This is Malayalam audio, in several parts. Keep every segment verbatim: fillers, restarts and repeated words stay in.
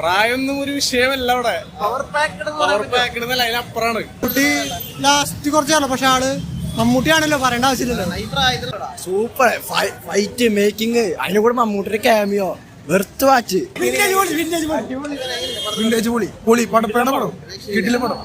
പ്രായമൊന്നും ഒരു വിഷയമല്ല അവിടെ. പവർ പാക്കഡ് എന്നല്ല, അതിനപ്പുറാണ്. കുട്ടി ലാസ്റ്റ് കുറച്ചാണല്ലോ, പക്ഷെ ആള് മമ്മൂട്ടിയാണല്ലോ, പറയേണ്ട ആവശ്യമില്ലല്ലോ. സൂപ്പർ ഫൈറ്റ് മേക്കിംഗ്, അതിനെ കൂടെ മമ്മൂട്ടിയുടെ ക്യാമിയോ വെറുത്ത് വാച്ച്. വിന്റേജ് പൊളി പൊളി പടം പേട പടം കിട്ടില്ല പടം.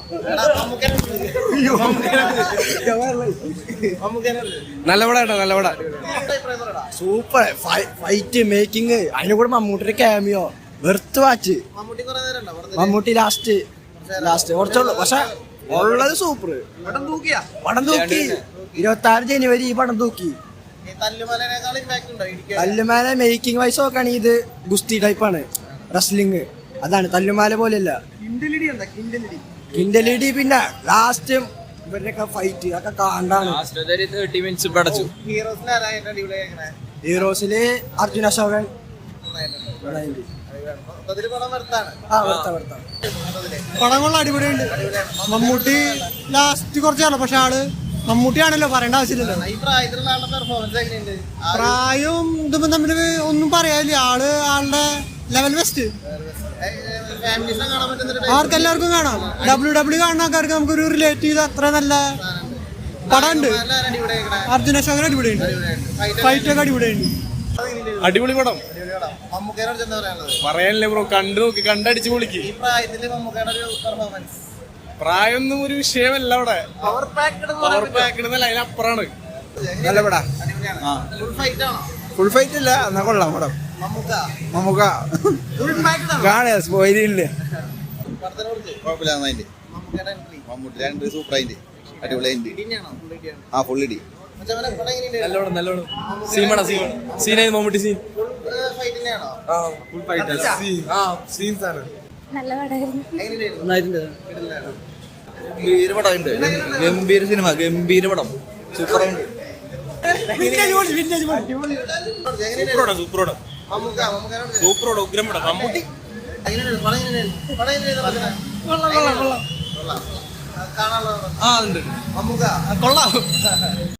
നല്ല പടാ നല്ല പടാ. സൂപ്പർ ഫൈറ്റ് മേക്കിംഗ്, അതിനെ കൂടെ മമ്മൂട്ടിയുടെ cameo worth watch. Mammootty last last കുറച്ചുള്ളൂ, പക്ഷെ ഉള്ളത് സൂപ്പർ. പടം തൂക്കി. ഇരുപത്തി ആറ് ജനുവരി ഈ പടം തൂക്കി. തല്ലുമാല മേക്കിംഗ് വൈസ് നോക്കുകയാണെങ്കിൽ ഇത് ഗുസ്തി ടൈപ്പാണ്, റെസ്ലിംഗ്. അതാണ് തല്ലുമാല പോലെയല്ല. കിൻഡലിഡി പിന്നെ ലാസ്റ്റ് ഇവരുടെയൊക്കെ ഫൈറ്റ് ഒക്കെ കാണ്ടാണ്. ഹീറോസില് അർജുന അശോകൻ. പടം കൊള്ള അടിപൊളിയുണ്ട്. മമ്മൂട്ടി ലാസ്റ്റ് കുറച്ചാണല്ലോ, പക്ഷെ ആള് മമ്മൂട്ടിയാണല്ലോ, പറയേണ്ട ആവശ്യമില്ലല്ലോ. പ്രായവും ഇതും തമ്മിൽ ഒന്നും പറയാനില്ല. ആള് ആളുടെ ലെവൽ ബെസ്റ്റ്. ആർക്കെല്ലാവർക്കും കാണാം. ഡബ്ല്യു ഡബ്ല്യു കാണുന്ന ആൾക്കാർക്ക് നമുക്കൊരു റിലേറ്റ് ചെയ്ത് അത്ര നല്ല പടമുണ്ട്. അർജുന അശോകൻ അടിപൊളിയുണ്ട്, ഫൈറ്റ് ഒക്കെ അടിപൊളിയുണ്ട്. അടിപൊളി പടം. പറയാനില്ലേ ബ്രോ, കണ്ടു നോക്കി കണ്ടടിച്ച് പൊളിക്ക്. പ്രായമൊന്നും ഒരു വിഷയമല്ല അവിടെ. പവർ പാക്കഡ് എന്നല്ല, അതിനപ്പുറാണ്. നല്ല പടാ. ഫുൾ ഫൈറ്റ് ഇല്ല, എന്നാ കൊള്ളാം പടം. മമ്മൂക്ക കാണാ സ്പോയിലില്ല. മമ്മൂട്ടി രണ്ട് സൂപ്പറായിട്ട് അടിപൊളിയായിട്ട്. ആ ഫുൾ ഇടി നല്ലോണം നല്ലോണം. സീമണ സീൻ സീനായി മമ്മൂട്ടി സീൻ. നല്ല പടമായിരുന്നു. ഗംഭീര പടമുണ്ട്. ഗംഭീര സിനിമ, ഗംഭീര പടം, സൂപ്പറായിട്ട്. സൂപ്പറോട് ഉഗ്രം പടം. മമ്മൂട്ടി കൊള്ളാം.